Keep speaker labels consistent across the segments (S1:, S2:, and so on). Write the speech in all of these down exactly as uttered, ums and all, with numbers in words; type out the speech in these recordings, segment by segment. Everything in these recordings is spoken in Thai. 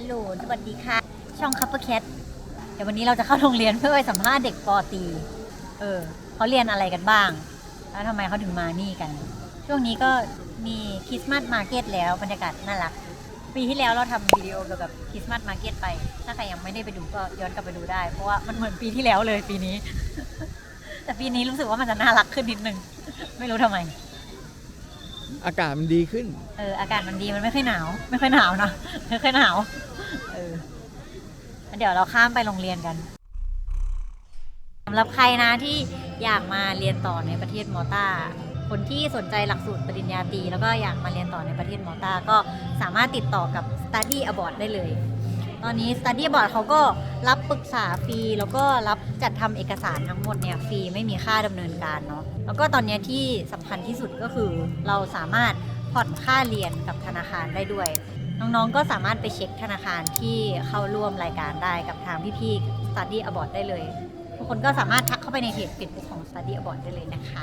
S1: โหลสวัสดีค่ะช่องคัพเปอร์แคทเดี๋ยววันนี้เราจะเข้าโรงเรียนเพื่อไปสัมภาษณ์เด็กป.ตรีเออเขาเรียนอะไรกันบ้างแล้วทำไมเขาถึงมานี่กันช่วงนี้ก็มีคริสต์มาสมาร์เก็ตแล้วบรรยากาศน่ารักปีที่แล้วเราทำวิดีโอเกี่ยวกับคริสต์มาสมาร์เก็ตไปถ้าใครยังไม่ได้ไปดูก็ย้อนกลับไปดูได้เพราะว่ามันเหมือนปีที่แล้วเลยปีนี้ แต่ปีนี้รู้สึกว่ามันจะน่ารักขึ้นนิดนึงไม่รู้ทำไม
S2: อากาศมันดีขึ้น
S1: เอออากาศมันดีมันไม่ค่อยหนาวไม่ค่อยหนาวนะไม่ค่อยหนาวเออเดี๋ยวเราข้ามไปโรงเรียนกันสำหรับใครนะที่อยากมาเรียนต่อในประเทศมอลตาคนที่สนใจหลักสูตรปริญญาตรีแล้วก็อยากมาเรียนต่อในประเทศมอลตาก็สามารถติดต่อกับ Study Abroad ได้เลยตอนนี้ Study Abroad เขาก็รับปรึกษาฟรีแล้วก็รับจัดทำเอกสารทั้งหมดเนี่ยฟรีไม่มีค่าดำเนินการเนาะแล้วก็ตอนนี้ที่สำคัญที่สุดก็คือเราสามารถผ่อนค่าเรียนกับธนาคารได้ด้วยน้องๆก็สามารถไปเช็คธนาคารที่เข้าร่วมรายการได้กับทางพี่ๆ Study Abroad ได้เลยทุกคนก็สามารถทักเข้าไปในเพจ Facebook ของ Study Abroad ได้เลยนะคะ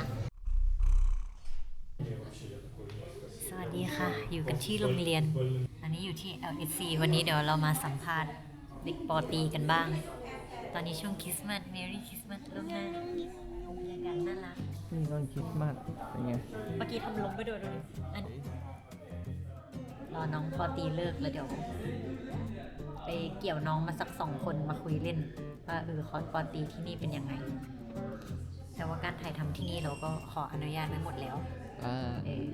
S1: สวัสดีค่ะอยู่กันที่โรงเรียนอันนี้อยู่ที่ แอล เอส ซี วันนี้เดี๋ยวเรามาสัมภาษณ์เด็กป.ตรีกันบ้างตอนนี้ช่วงคริสต์มาส Merry Christmas ล่วงหน้าบรรยากาศน่ารัก
S2: นี่ตอนคริสต์มาสเป็นไง
S1: เมื่อกี้ทำล้มไปด้วยดูดิอันรอน้องป.ตรีเลิกแล้วเดี๋ยวไปเกี่ยวน้องมาสักสองคนมาคุยเล่นว่าเออคอร์สป.ตรีที่นี่เป็นยังไงแต่ว่าการถ่ายทำที่นี่เราก็ขออนุญาตไว้หมดแล้ว
S2: อ่า
S1: เออ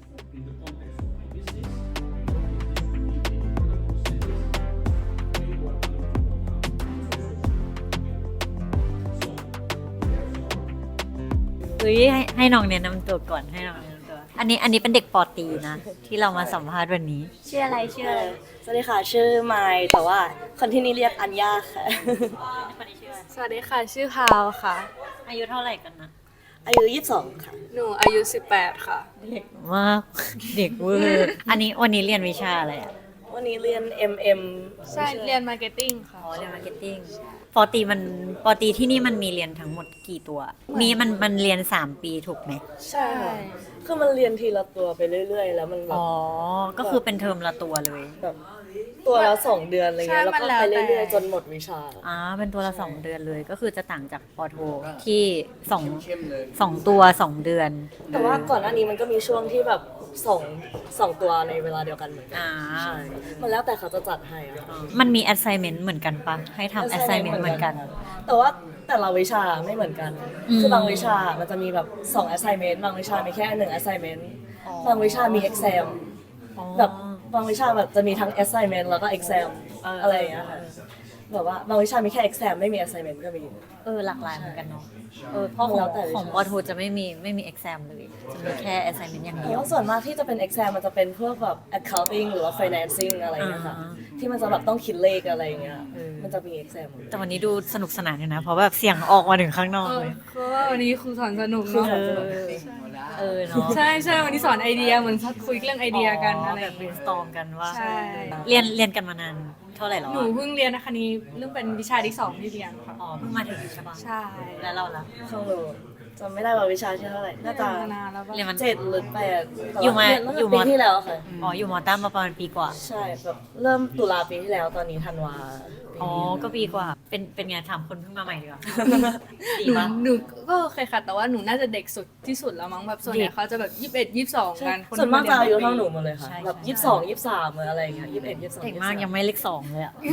S1: เฮ้ยให้ให้น้องแนะนำตัวก่อนให้น้องแนะนำตัวอันนี้อันนี้เป็นเด็กป.ตรีนะที่เรามาสัมภาษณ์วันนี้ชื่ออะไรชื่ออะไร
S3: สวัสดีค่ะชื่อไมค์แต่ว่าคนที่นี่เรียกอัญญาค่ะ
S1: คนนี้ชื่ออะไร
S4: สวัสดีค่ะชื่อพาวค่ะ
S1: อายุเท่าไหร่กันนะ
S3: อายุยี่สิบสองค่ะ
S4: หนูอายุสิบแปดค่ะ
S1: เด็กมากเด็กเวอร์อันนี้วันนี้เรียนวิชาอะไรอ่ะ
S3: วันนี้เรียน เอ็ม เอ็ม
S4: ใช่เรียนมาร์เก็ตติ้งค่ะ
S1: อ๋อเรียนมาร์เก็ตติ้งป.ตรีมันป.ตรีที่นี่มันมีเรียนทั้งหมดกี่ตัวมีมันมันเรียนสามปีถูกไหม
S3: ใช่ค่ะคือมันเรียนทีละตัวไปเรื่อยๆแล้วมันแบบ
S1: อ๋อก็คือเป็นเทอมละตัวเลย
S3: แบบตัวละสองเดือนอะไรเงี้ยแล้วก็ไปเรื่อยๆจนหมดวิชา
S1: อ่าเป็นตัวละสองเดือนเลยก็คือจะต่างจากป.โทที่สองสองตัวสองเดือน
S3: แต่ว่าก่อนหน้านี้มันก็มีช่วงที่แบบสองสองตัวในเวลาเดียวกันเหมือนกัน
S1: อ่า
S3: มันแล้วแต่เขาจะจัดให้อะ
S1: มันมี assignment เหมือนกันปะให้ทำ assignment เหมือนกัน
S3: แต่ว่าแต่ละวิชาไม่เหมือนกันคือบางวิชามันจะมีแบบสอง assignment บางวิชามีแค่หนึ่ง assignment บางวิชามี exam แบบบางวิชาแบบจะมีทั้ง assignment แล้วก็ exam อะไรอย่างเงี้ยค่ะแบบว่าบางวิชามีแค่ exam ไม่มี assignment ก็มี
S1: เออหลากหลายเหมือนกันเนาะเออเพราะของของป.โทจะไม่มีไม่มี exam เลยจะมีแค่ assignment อย่างเดียว
S3: แล้วส่วนมากที่จะเป็น exam มันจะเป็นพวกแบบ accounting หรือว่า financing อะไรอย่างเงี้ยค่ะที่มันจะแบบต้องคิดเลขอะไรอย่างเงี้ยมันจะมี exam
S1: แต่วันนี้ดูสนุกสนานอยู่นะเพราะแบบเสียงออกมาถึงข้างนอกเลย
S4: เพราะว่าวันนี้ครูสอนสนุกเนาะ
S1: เออเนาะ
S4: ใช่ใช่วันนี้สอนไอเดียเหมือนคุยเรื่องไอเดียกันอะไร
S1: แบบ brainstorm กันว่า
S4: ใช่
S1: เรียนเรียนกันมานานเท่าไหร่แล้ว
S4: หนูเพิ่งเรียนนะคะนี้เรื่องเป็นวิชาที่สองที่เรียนค่ะ
S1: อ๋อเพิ่งมาถึงใช่ปะ
S4: ใช่
S1: แล้วเราล่ะ
S3: ของหนูจำไม่ได้ว่าวิชาที่เท่าไหร่น่าจะ
S1: เรียนมัน
S3: เจ็ดหรือแปด
S1: อยู่มา
S3: อยู่ปีที่แล้วค่ะ
S1: อ๋ออยู่มอต้ามาประมาณปีกว่า
S3: ใช่แบบเริ่มตุลาปีที่แล้วตอนนี้ธันวา
S1: อ๋อก็ปีกว่าเป็นเป็นไงถามคนเพิ่งมาใหม่ดีกว่า
S4: หนูหนูก็เคยค่ะแต่ว่าหนูน่าจะเด็กสุดที่สุดแล้วมั้งแบบส่วนใหญ่เขาจะแบบยี่สิบเอ็ดยี่สิบสองกัน
S3: ส่วนมากจะอายุเท่าหนูหมดเลยค่ะแบบยี่สิบสองยี่สิบสามอะไรอย่างเงี้ยยี่สิบเอ็ดยี่สิบสอง
S1: เด็กมากยังไม่เลขสองเลยอ่ะ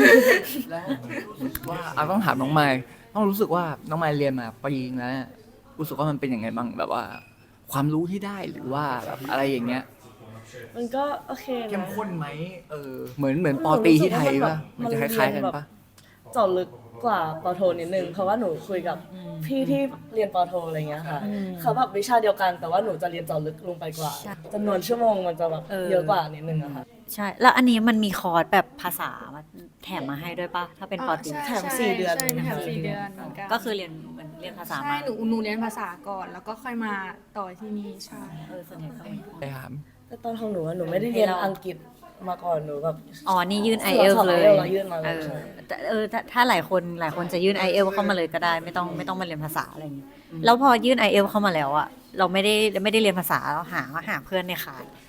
S2: ว่าเอาต้องถามน้องไมค์ต้องรู้สึกว่าน้องไมค์เรียนมาปีนึงแล้วรู้สึกว่ามันเป็นยังไงบ้างแบบว่าความรู้ที่ได้หรือว่าแบบอะไรอย่างเงี้ย
S3: มันก็โอเคนะ
S2: เข้มข้นไหมเออเหมือนเหมือนป.ตรีที่ไทยป่ะมันจะคล้ายๆกันป่ะ
S3: เจาะลึกกว่าป.โทนิดนึงเพราะว่าหนูคุยกับพี่ที่เรียนป.โทอะไรเงี้ยค่ะเขาแบบวิชาเดียวกันแต่ว่าหนูจะเรียนเจาะลึกลงไปกว่าจำนวนชั่วโมงมันจะแบบเยอะกว่านิดนึงอะค่ะ
S1: ใช่แล้วอันนี้มันมีคอร์สแบบภาษามาแถมมาให้ด้วยป่ะถ้าเป็นป.ตรี
S3: แถมสี่เดือน
S4: ใช่แถมสี่เดือน
S1: ก็คือเรียนเหมือนเรียนภาษา
S4: ใช่หนูหนูเรียนภาษาก่อนแล้วก็ค่อยมาต่อที่นี่ใช่
S1: เออส่วนใหญ่ก็
S2: ไปถาม
S3: แต่ตอนของหนูหนูไม่ได้เรียนอังกฤษมาก่อนหนูแบบ
S1: อ๋อนี่ยื่น ไอ เอล เลย
S3: ยื่นมาเลย
S1: เออถ้าถ้าหลายคนหลายคนจะยื่น ไอ เอล เข้ามาเลยก็ได้ไม่ต้องไม่ต้องมาเรียนภาษาอะไรอย่างเงี้ยแล้วพอยื่น ไอ เอล เข้ามาแล้วอะเราไม่ได้ไม่ได้เรียนภาษาเราหาหาเพื่อนในค่าย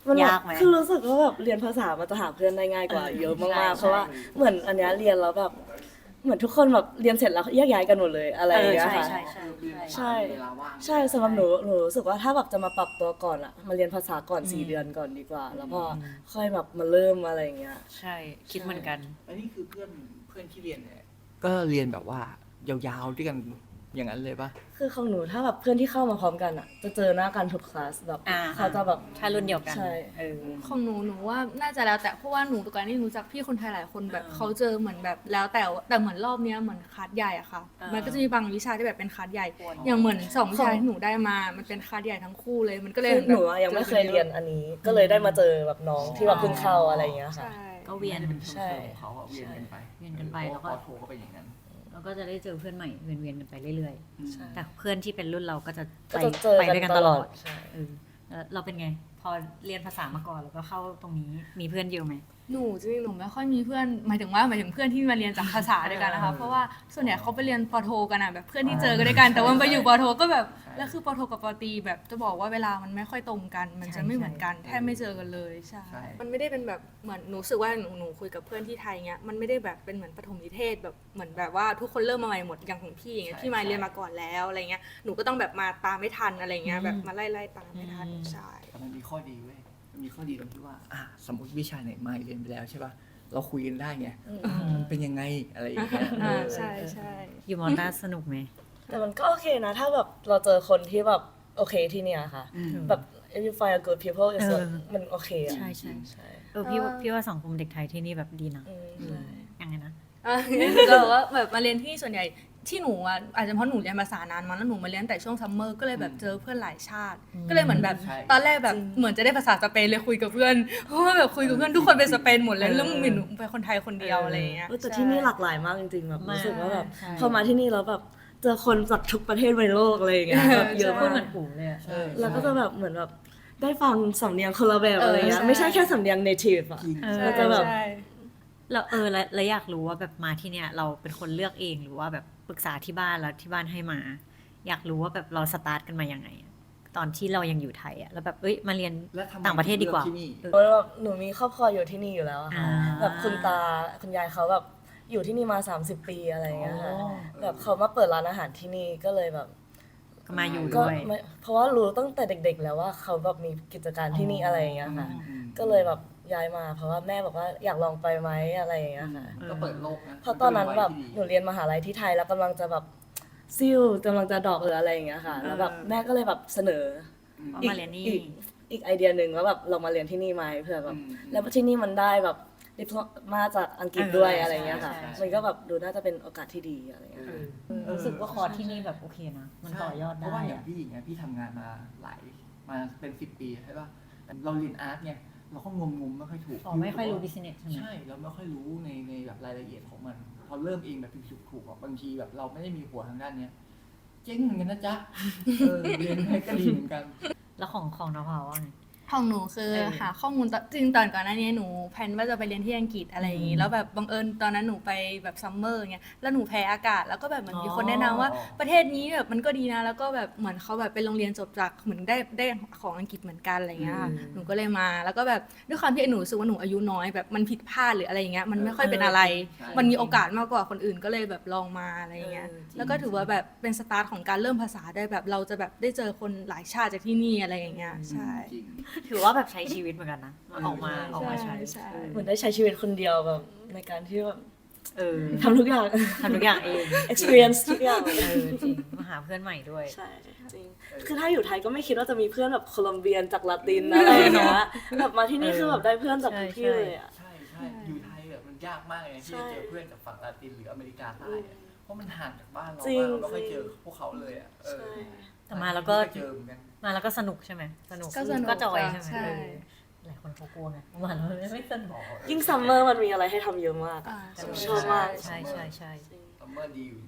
S3: มันแบบ
S1: ยากไหม
S3: คือรู้สึกว่าแบบเรียนภาษามันจะหาเพื่อนได้ง่ายกว่า
S1: เออ
S3: เยอะ
S1: ใช่
S3: มากๆ
S1: ใช่
S3: เพราะว่าเหมือนอันเนี้ยเรียนแล้วแบบเหมือนทุกคนแบบเรียนเสร็จแล้วแยกย้ายกันหมดเลยอะไรอย่างเงี้ย
S1: ใช่
S3: ค่ะ
S1: ใช่ใช่
S3: ใช่
S2: เวลาว่าง
S3: ใช่สำหรับหนูหนูรู้สึกว่าถ้าแบบจะมาปรับตัวก่อนอะมาเรียนภาษาก่อน
S1: อืม
S3: สี่เดือนก่อนดีกว่า แล้วพอค่อยแบบมาเริ่มอะไรอย่างเงี้ย
S1: ใช่คิดเหมือนกัน
S2: อันนี้คือเพื่อนเพื่อนที่เรียนเนี่ยก็เรียนแบบว่ายาวๆด้วยกันอย่างนั้นเลยปะ
S3: คือของหนูถ้าแบบเพื่อนที่เข้ามาพร้อมกันอะจะเจอหน้ากันทุกคลาสแบบ
S1: อ่า
S3: เขาจะแบบ
S1: ถ้ารุ่นเดียวกัน
S3: ใช่
S1: เออ
S4: ของหนูหนูว่าน่าจะแล้วแต่เพราะว่าหนูตัวการนี่รู้จักพี่คนไทยหลายคนแบบ
S1: อ่า
S4: เขาเจอเหมือนแบบแล้วแต่ว่าแต่เหมือนรอบเนี้ยเหมือนคลาสใหญ่อะค่ะ
S1: อ่ามั
S4: มันก็จะมีบางวิชาที่แบบเป็นคลาสใหญ่
S1: อ๋อ
S4: อ
S1: อ
S4: ย่างเหมือนสองวิชาที่หนูได้มามันเป็นคลาสใหญ่ทั้งคู่เลยมันก็เลย
S3: คือหนูอะยังไม่เคยเรียนอันนี้ ก็เลยได้มาเจอแบบน้องที่แบบเพิ่งเข้าอะไรอย่างเงี้ยค่ะ
S4: ใช่
S1: ก็เวียน
S2: เป็น
S3: ใช่
S2: ของเขาอะเวียนกันไป
S1: เวียนกันไปแล้วก็
S2: พอโทรก็เป็นอย่างนั้น
S1: เราก็จะได้เจอเพื่อนใหม่เวียนๆกันไปเรื่อย
S3: ใช่
S1: ๆ แต่เพื่อนที่เป็นรุ่นเราก็จะ
S3: ก็
S1: ไป
S3: จะเจอ
S1: ไป
S3: กัน
S1: ด้วยกัน
S3: ต
S1: ต
S3: ล
S1: ล
S3: อ
S1: อ
S3: ด
S1: ด
S3: ใช่
S1: เออแล้วเราเป็นไง พอเรียนภาษามาก่อนแล้วก็เข้าตรงนี้มีเพื่อนเยอะไหม
S4: หนูจริงๆหนูไม่ค่อยมีเพื่อนหมายถึงว่าหมายถึงเพื่อนที่มาเรียนจากภาษาด้วยกันนะคะเพราะว่าส่วนใหญ่เขาไปเรียนปอโทกันอะแบบเพื่อนที่เจอกันด้วยกันแต่ว่าไปอยู่ปอโทก็แบบแล้วคือปอโทกับปอตรีแบบจะบอกว่าเวลามันไม่ค่อยตรงกัน มันจะไม่เหมือนกันแทบไม่เจอกันเลยใช่
S2: ใช่
S4: มันไม่ได้เป็นแบบเหมือนหนูรู้สึกว่าหนูหนูคุยกับเพื่อนที่ไทยเงี้ยมันไม่ได้แบบเป็นเหมือนปฐมนิเทศแบบเหมือนแบบว่าทุกคนเริ่มมาใหม่หมดอย่างของพี่อย่างเงี้ย
S2: ใช่
S4: พี่มา
S2: ใช่
S4: เรียนมาก่อนแล้วอะไรเงี้ยหนูก็ต้องแบบมาตามไม่ทันอะไรเงี้ยแบบมาไล่ไล่ตามไม่ทัน
S1: อืม
S4: ใช่
S2: แต่มันมีข้อดีเว้ย มันมีข้อดีตรงที่ว่า อ่ะสมมติวิชาไหนมาเรียนไปแล้วใช่ป่ะ เราคุยกันได้ไง มันเป็นยังไงอะไรอย่างเงี้ย
S4: อ่า
S2: เออ
S4: ใช่ใช่
S1: อยู่มอต้าสนุกไหม
S3: แต่มันก็โอเคนะ ถ้าแบบเราเจอคนที่แบบโอเคที่เนี่ยค่ะ
S2: อืม
S3: แบบ if you find a good people is
S1: เออ
S3: มันโอเคอะ
S1: ใช่ใช่
S3: ใช่
S1: เออพี่ว่าพี่ว่าสังคมเด็กไทยที่นี่แบบดีนะ
S3: อืมใช่
S1: ยังไงนะ
S4: อ่ะก็แบบว่าแบบมาเรียนที่ส่วนใหญ่ที่หนูอ่ะอาจจะเพราะหนูเรียนภาษานานมาแล้วหนูมาเรียนแต่ช่วงซัมเมอร์ก็เลยแบบเจอเพื่อนหลายชาติ ก็เลยเหมือนแบบ
S2: ใช่
S4: ตอนแรกแบบเหมือนจะได้ภาษาสเปนเลยคุยกับเพื่อนเพราะว่าแบบคุยกับเพื่อนทุกคนเป็นสเปนหมดเลยแล้วมึงมีหนูเป็นคนไทยคนเดียวอะไรอย่างเงี้ย
S3: เออแต่ที่นี่หลากหลายมากจริงๆแบบ
S1: มาก
S3: รู้สึกว่าแบบ
S1: ใช่
S3: พอมาที่นี่แล้วแบบเจอคนจากทุกประเทศในโลกอะไรอย่างเงี้ยแบบเยอะ
S1: พูด
S3: มาก
S1: เหมือนปู่เลยอะ
S2: ใช่
S3: แล้วก็จะแบบเหมือนแบบได้ฟังสำเนียงคนละแบบ
S4: เออ
S3: อะไรเงี้ย
S4: ใช่
S3: ไม่ใช่แค่สำเนียง native อะ
S2: จริง
S1: เออ
S3: แล้วจะแบบ
S4: ใช่
S1: แล้วเออแล้วแล้วอยากรู้ว่าแบบมาที่เนี่ยเราเป็นคนเลือกเองหรือว่าแบบปรึกษาที่บ้านแล้วที่บ้านให้มา อยากรู้ว่าแบบเราสตาร์ทกันมายังไงอะตอนที่เรายังอยู่ไทยอะแล้วแบบเอ้ยมาเรียน
S2: แล้วทำไม
S1: ต่างประเทศดีกว่า
S2: เลือกที่นี่
S1: เออ
S3: เพราะว่าแบบหนูมีครอบครัวอยู่ที่นี่อยู่แล้วอะค่ะ
S1: อ่า
S3: แบบคุณตาคุณยายเขาแบบอยู่ที่นี่มา สามสิบ ปีอะไรเงี้ยค่ะ
S1: อ๋อ
S3: แบบเขามาเปิดร้านอาหารที่นี่ก็เลยแบบ
S1: ก็มาอยู่
S3: ก็
S1: ด้วย
S3: ไม่เพราะว่ารู้ตั้งแต่เด็ก ๆ แล้วว่าเขาแบบมีกิจการที่นี่อะไรอย่างเงี้ยค่ะ
S2: อืม
S3: ก็เลยแบบย้ายมา เพราะว่าแม่บอกว่าอยากลองไปไหมอะไรอย่างเงี้ยค่ะ
S2: ก็เปิดโลกนะ
S3: เพราะตอนนั้นแบบ
S2: มั
S3: หนูเรียนมหาลัยที่ไทยแล้วกำลังจะแบบซิ่วกำลังจะดรอกหรืออะไรอย่างเงี้ยค่ะ แล้วแบบแม่ก็เลยแบบเสนอ
S1: เอา
S3: อีก
S1: มาเรียนนี่
S3: อีกอีกไอเดียหนึ่งว่าแบบเรามาเรียนที่นี่ไหมเผื่อแบบ
S2: อืม
S3: แล้วที่นี่มันได้แบบดิพมาจากอังกฤษด้วย
S1: เออ
S3: อะไรเงี้ยค่ะ
S1: ใช่ใช่
S3: มันก็แบบดูน่าจะเป็นโอกาสที่ดีอะไรเงี้ยค่ะ
S1: รู้สึกว่าคอร์สที่นี่แบบโอเคนะ มันต่อยอด
S2: เพ
S1: ได้
S2: ราะว่าอย่า
S1: อะ
S2: งพี่อย่างเงี้ยพี่ทำงานมาหลายมาเป็นสิบปีใช่ป่ะแต่เราเรียนอาร์ตไงเราก็งมงมๆไม่ค่อยถูก
S1: อ๋อไม่ค่อยรู้บิสเนสใช่ไหม
S2: ใช่เราไม่ค่อยรู้ในในแบบรายละเอียดของมัน พอเริ่มเองแบบผิดๆถูกๆอ่ะบางทีแบบเราไม่ได้มีหัวทางด้านเนี้ยเจ๊งเหมือนกันนะจ๊ะเออเรียนให้ก็ดีเหมือนกัน
S1: แล้วของของน้องพาวว่าไง
S4: ของหนูคือ
S1: เออ
S4: หาข้อมูลตอนจริงๆตอนก่อนหน้านี้หนูแพลนว่าจะไปเรียนที่อังกฤษอะไรอย่างงี้
S1: อืม
S4: แล้วแบบบังเอิญตอนนั้นหนูไปแบบซัมเมอร์เงี้ยแล้วหนูแพ้อากาศแล้วก็แบบเหมือนมีคน
S1: อ๋อ
S4: แนะนำว่าประเทศนี้แบบมันก็ดีนะแล้วก็แบบเหมือนเขาแบบเป็นโรงเรียนจบจากเหมือนได้ได้ของอังกฤษเหมือนกันอะไรเงี้ยค่ะ
S1: อืม
S4: หนูก็เลยมาแล้วก็แบบด้วยความที่หนูรู้สึกว่าหนูอายุน้อยแบบมันผิดพลาดหรืออะไรอย่างเงี้ยมันไม่ค่อยเป็นอะไร
S2: ใช่
S4: มันมีโอกาสมากกว่าคนอื่นก็เลยแบบลองมาอะไรเงี้ย
S1: เออจริง
S4: แล้วก็ถือว่าแบบเป็นสตาร์ทของการเริ่มภาษาได้แบบเราจะแบบได้เจอคนหลายชาติจากที่นี่อะไรอย่างเงี้ยใช่
S2: จริง
S1: ถือว่าแบบใช้ชีวิตเหมือนกันนะออกมา
S2: ใช่
S1: ออกมาใช้
S4: ใช่
S1: เออ
S3: เหมือนได้ใช้ชีวิตคนเดียวแบบในการที่แบบ
S1: เออ
S3: ทำทุกอย่าง
S1: ทำทุกอย่างเอง
S3: experience ทุกอย่าง
S1: เออจริงมาหาเพื่อนใหม่ด้วย
S3: ใช่จริง คือถ้าอยู่ไทยก็ไม่คิดว่าจะมีเพื่อนแบบโคลอมเบียนจากลาตินอะไรอย่างเงี้ยแบบมาที่นี่คือแบบได้เพื่อนจากทุกที่เลยอ่ะ
S2: ใช่ใช่อยู่ไทยแบบมันยากมากเลยนะที่จะเจอเพื่อนจากฝั่งลาตินหรืออเมริกาใต้อะเพราะมันห่างจากบ้านเรา
S3: จริง
S2: มากเราไม่เคยเจอพวกเขาเลยอ่ะเออ
S1: แต่มาแล้วก็
S2: ไม่เคยเจอเหมือนกัน
S1: มาแล้วก็สนุกใช่ไหมสนุก
S4: ก็สนุก
S1: ก็จอย
S4: ค่ะ
S1: ใช่ไหม
S4: ใช่
S1: เออหลายคนเขากลัวไงมาแล้วไม่สนุก
S3: ยิ่งซัมเมอร์มันมีอะไรให้ทำเยอะมาก
S4: อ่า
S3: ชอบมาก
S1: ใช่ใช่ใช่
S2: ซัมเมอร์ดีอยู่จริง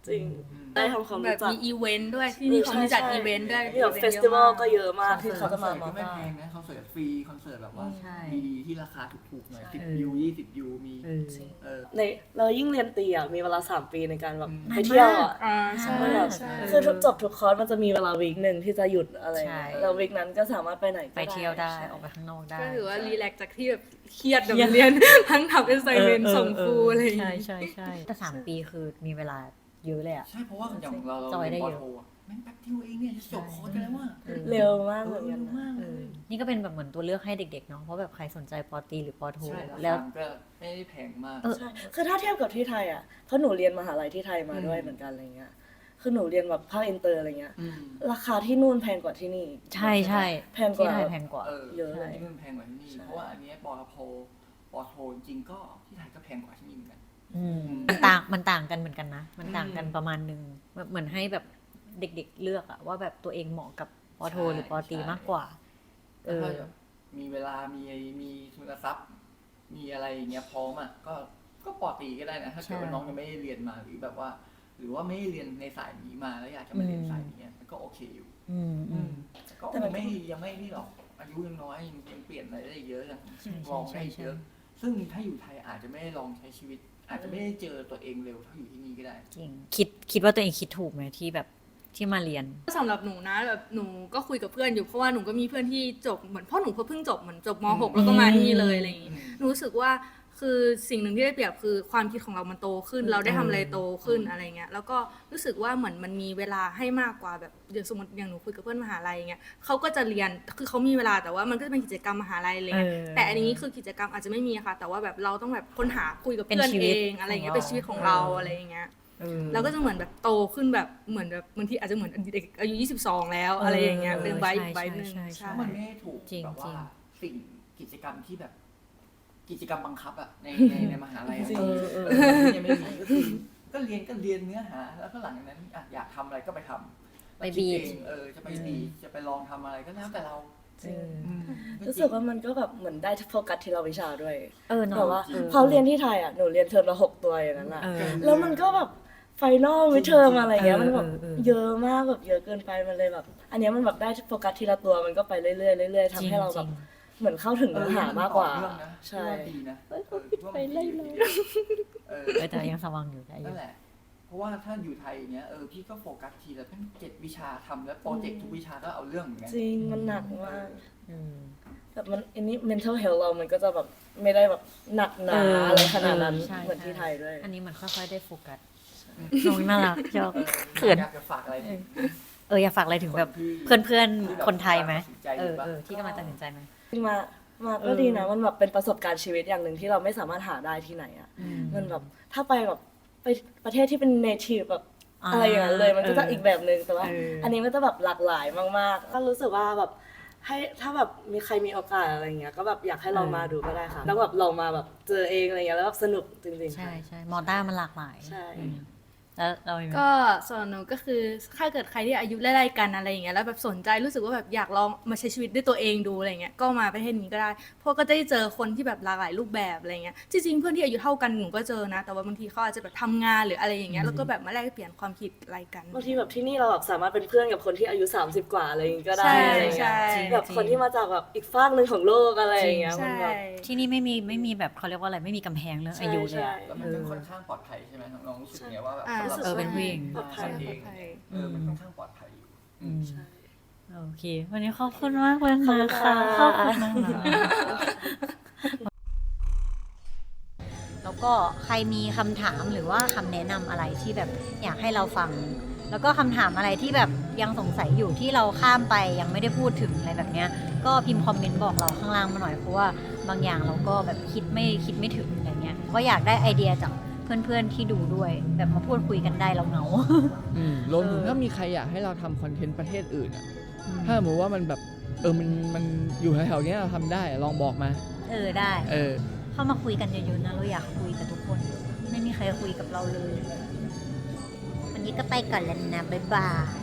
S3: จริงได้ทำความ
S4: แบ
S3: รู้
S4: บ
S3: จัก
S4: มีอีเวนต์ด้วยที่นี่เขามีจัดอีเวนต์ด้วย
S3: มีแบบเฟสติวัลก็เยอะมากที่เขาจะมา
S2: คอน
S3: มา
S2: เสิร์ตก็ไม่แพงนะคอนเสิร์ตฟรีคอนเสิร์ตแบบว่า
S1: ใช่
S2: ดีๆที่ราคาถูกๆหน่อย
S3: ใช่
S2: สิบยูยี่สิบยูมี
S1: เออ
S2: เออ
S3: ในเรายิ่งเรียนตีอ่ะมีเวลาสามปีในการแบบ
S2: อืม
S3: ไปเที่ยวอ่ะ
S4: อ่าใช่
S3: มันแบบ
S4: ใช่
S3: คือทุกจบทุกคอร์สมันจะมีเวลาวีคหนึ่งที่จะหยุดอะไร
S1: ใช่
S3: แล้ววีคนั้นก็สามารถไปไหนก็
S1: ไปเที่ยวได้
S3: ใช่
S1: ออกไปข้างนอกได้
S4: ก็ถือว่ารีแลกซ์จากที่แบบเครียดแบบเรียน ทั้งทำเป็นไซเมนส่งครูอะไรอย่าง
S1: ใช่
S4: เงี้ย
S1: ใช่ใช่แต่สามปีคือมีเวลาเยอะเลยอ่ะ
S2: ใช่เพราะว่าอย่างเราเรา
S1: จอยได้
S2: เรียนป
S1: เยอะ
S2: โทอะแม่งแป๊บเดียวเองเนี่ยจะจบคอร์สกันแล้วว่า
S1: เออ
S3: เร็วมาก
S2: เอ
S3: เหมื
S2: อ
S3: อนกั
S2: เร็
S3: น
S2: ว
S3: นะ
S2: มาก
S1: เอ
S2: เล
S1: อย นี่ก็เป็นแบบเหมือนตัวเลือกให้เด็กๆเนาะเพราะแบบใครสนใจปอตรีหรือปอโท
S2: ใช่รา
S1: แล้ว
S2: คาก็ไม่ได้แพงมาก
S1: เออ
S3: ใช่คือถ้าเทียบกับที่ไทยอ่ะเพราะหนูเรียนมหาลัยที่ไทยมาด้วย
S2: อืม
S3: เหมือนกันอะไรเงี้ยคือหนูเรียนแบบภาคอินเตอร์อะไรเงี้ย
S2: อืม
S3: ราคาที่นู่นแพงกว่าที่นี่
S1: ใช่ใช่
S3: แพงกว่า
S1: ที่ไทยแพงกว่า
S2: เออ
S3: เยอะเลย
S2: ที่นู่นแพงกว่าที่นี่
S3: ใช่
S2: เพราะว่าอันเนี้ยปอโทปอโทจริงๆก็ที่ไทยก็แพงกว่าที่นี่เหมือนกัน
S1: อืม
S2: อืม
S1: มันต่างมันต่างกันเหมือนกันนะ มันต่างกัน
S2: อืม
S1: ประมาณนึงแบบเหมือนให้แบบเด็กๆเลือกอะว่าแบบตัวเองเหมาะกับปอโท
S2: ใช่
S1: หรือปอตรี
S2: ใช่
S1: มากกว่า เอ
S2: แล้ว
S1: อ
S2: ถ้าแบบมีเวลามีมีทุนทรัพย์ มีอะไรอย่างเงี้ยพร้อมอ่ะก็ก็ปอตรีก็ได้นะถ้าเกิดว่า
S1: ใช่
S2: น้องยังไม่ได้เรียนมาหรือแบบว่า หรือว่าไม่ได้เรียนในสายนี้มาแล้วอยากจะมาเรียน
S1: อืม
S2: สายนี้อะมันก็โอเคอยู่
S1: อืมอืม
S2: ก็ยังไม่ยังไม่นี่หรอกอายุยังน้อยยังยังเปลี่ยนอะไรได้เยอะยัง
S1: ใช่ใช่
S2: ลองได้
S1: ใช่ใช่
S2: เยอะซึ่งถ้าอยู่ไทยอาจจะไม่ได้ลองใช้ชีวิต อาจจะไม่ได้เจอตัวเองเร็วเท่าอยู่ที่นี่ก็ได้
S1: จริงคิดคิดว่าตัวเองคิดถูกไหมที่แบบที่มาเรียน
S4: สำหรับหนูนะแบบหนูก็คุยกับเพื่อนอยู่เพราะว่าหนูก็มีเพื่อนที่จบเหมือนพ่อหนูเพิ่งจบเหมือนจบม .หก แล้วก็มาที่นี่เลยอะไรอย่างงี้
S2: อืม
S4: หนูรู้สึกว่าคือสิ่งหนึ่งที่ได้เปรียบคือความคิดของเรามันโตขึ้น เราได้ทำอะไรโตขึ้นอะไรเงี้ยแล้วก็รู้สึกว่าเหมือนมันมีเวลาให้มากกว่าแบบอย่างสมมติอย่างหนูคุยกับเพื่อนมหาลัยเงี้ยเขาก็จะเรียนคือเขามีเวลาแต่ว่ามันก็จะเป็นกิจกรรมมหาลัยอะไรเงี้ย
S1: เออ
S4: แต่อันนี้คือกิจกรรมอาจจะไม่มีค่ะ แต่ว่าแบบเราต้องแบบค้นหาคุยกับ
S1: เป็น
S4: เพื่อน
S1: ชีวิ
S4: เอ
S1: ต
S4: งอะไรเงี้ย
S1: ของเรา
S4: เป็นชีวิตของเราอะไรอย่างเงี้ย
S1: เออ
S4: เราก็จะเหมือนแบบโตขึ้นแบบเหมือนแบบบางทีอาจจะเหมือนเด็กอายุยี่สิบสองแล้วอะไรอย่างเงี้ย
S1: เออ
S4: เป็นไว้
S1: ใช่
S4: ไว้หนึ่ง
S1: ใช่ใช่
S4: ใช่
S2: เพราะมันไม่ได้ถูก
S1: จริง
S2: แบบว่า
S1: จริง
S2: สิ่งกิจกรรมที่แบบ กิจกรรมบังคับอะในในในมหาลัยอะ
S3: จริง
S2: เออ
S3: เออ
S2: เออที่ยังไม่มีก็คือก็เรียนก็เรียนเนื้อหา แล้วก็หลังจากนั้นอะอยากทำอะไรก็ไปทำ
S1: ไปบีบ
S2: คิดเองเออจะไปบีบจะไปลองทำอะไรก็แล้วแต่เรา
S3: จริง
S2: อืม
S3: รู้สึกว่ามันก็แบบเหมือนได้โฟกัสทีละวิชาด้วย
S1: เออเนาะ
S3: แบบว่า
S1: เออ
S3: พอเรียนที่ไทยอ่ะหนูเรียนเทอมละหกตัวอย่างนั้นอ่ะ
S1: เออ
S3: แล้วมันก็แบบไฟนอลวิเทอมอะไรเงี้ย
S1: เออ
S3: มันแบบ
S1: เออเออ
S3: เยอะมากแบบเยอะเกินไปมันเลยแบบ อันเนี้ยมันแบบได้โฟกัสทีละตัวมันก็ไปเรื่อยๆเรื่อยๆทำให้เราแบบเหมือนเข้าถึงเนื้อหามากกว่า
S2: เออมันต่อเนื่องนะ
S3: ใช่
S2: ว่าดีนะ
S3: เฮ้ยเขาคิดไปเรื่อยๆ
S2: เออ
S1: เออแต่ยังสว่างอยู่ได้อ
S2: นั่
S1: ยู่
S2: นแหละ เพราะว่าถ้าอยู่ไทยอย่างเงี้ยเออพี่ก็โฟกัสทีละตั้งเจ็ดวิชาทำแล้วโปรเจกต์ทุกวิชาก็เอาเรื่องเหมือนกัน
S3: จริงมันหนักมาก
S1: อืม
S3: แบบมันอันนี้ mental health เรามันก็จะแบบไม่ได้แบบหนักหนา
S1: เอออ
S3: อะไรขนาดนั้น
S1: ใช่
S3: เหมือนที่ไทยด้วย
S1: อันนี้มันค่อยๆได้โฟกัสน้องน่ารักชอบ เขิน
S2: อยากจะฝากอะไรถึง
S1: เอออยากฝากอะไรถึงแบบ
S2: ที่
S1: เพื่อนเพื่อน
S2: ที่แบบ
S1: คนไทยไหม
S2: ตัดสินใจ
S1: เออ
S2: หรือเปล่า
S1: เออที่กำลังตัดสินใจไหม
S3: มามาก็ดีนะมันแบบเป็นประสบการณ์ชีวิตอย่างหนึ่งที่เราไม่สามารถหาได้ที่ไหนอ่ะ
S1: อืม
S3: มันแบบถ้าไปแบบไปประเทศที่เป็น native แบบ
S1: อ่า
S3: อะไรอย่างนั้นเลยมันก็จะ
S1: เอออี
S3: อีกแบบหนึ่งแต่ว่า
S1: เอออั
S3: อันนี้มันจะแบบหลากหลายมากๆก็รู้สึกว่าแบบให้ถ้าแบบมีใครมีโอกาสอะไรเงี้ยก็แบบอยากให้ลองมาดูก็ได้ค่ะแล้วแบบลองมาแบบเจอเองอะไรเงี้ยแล้วแบบสนุกจริงๆ
S1: ใช่
S3: ค่ะ
S1: ใช่มอต้ามันหลากหลาย
S3: ใช่
S1: อืมแล้วเรามีไหม
S4: ก็สำหรับหนูก็คือถ้าเกิดใครที่อายุไล่ๆกันอะไรอย่างเงี้ยแล้วแบบสนใจรู้สึกว่าแบบอยากลองมาใช้ชีวิตด้วยตัวเองดูอะไรเงี้ยก็มาประเทศนี้ก็ได้เพราะก็จะได้เจอคนที่แบบหลากหลายรูปแบบอะไรเงี้ยจริงๆเพื่อนที่อายุเท่ากันหนูก็เจอนะ แต่ว่าบางทีเขาอาจจะแบบทำงานหรืออะไรอย่างเงี้ยแล้วก็แบบมาแลกเปลี่ยนความคิดอะไรกัน
S3: บางทีแบบที่นี่เราแบบสามารถเป็นเพื่อนกับคนที่อายุสามสิบกว่าอะไรอย่างงี้ก็ได้
S4: ใช่
S3: อะไรเงี้ย
S4: ใช่
S3: แบบคนที่มาจากแบบอีกฟากหนึ่งของโลกอะไรอย่างเงี้ยมัน
S4: ใช่
S3: แบบ
S1: ที่นี่ไม่มีไม่มีแบบเขาเรียกว่าอะไรไม่มีกำแพงเรื่องอายุเลยอะ
S3: ใช่
S2: แล้วมันก็ค่อนข้างปลอดภัยใช่ไหมน้องรู้สึกไงว่าแบบ
S4: อ่า
S2: สำหรับ
S1: เออเป็นผู้หญิง
S3: ปลอดภัย
S2: เองเออมันค่อนข้างปลอดภัยอยู่อืม
S3: ใช่
S1: โอเค วันนี้ขอบคุณมากเลยนะคะขอบคุณมากแล้วก็ใครมีคำถามหรือว่าคำแนะนำอะไรที่แบบอยากให้เราฟัง แล้วก็คำถามอะไรที่แบบยังสงสัยอยู่ที่เราข้ามไปยังไม่ได้พูดถึงอะไรแบบเนี้ยก็พิมพ์คอมเมนต์บอกเราข้างล่างมาหน่อยเพราะว่าบางอย่างเราก็แบบคิดไม่คิดไม่ถึงอะไรเงี้ยก็อยากได้ไอเดียจากเพื่อนๆที่ดูด้วย แบบมาพูดคุยกันได้เราเหงา
S5: อืมรวมถึง
S1: เออ
S5: ถ้ามีใครอยากให้เราทำคอนเทนต์ประเทศอื่นอ่ะ ถ้าสมมติว่ามันแบบเออมันมันอยู่แถวๆเนี้ยเราทำได้อะลองบอกมา
S1: เออได้
S5: เออ
S1: เข้ามาคุยกันเยอะๆนะเราอยากคุยกับทุกคน ไม่มีใครคุยกับเราเลย วันนี้ก็ไปก่อนแล้วนะบ๊ายบาย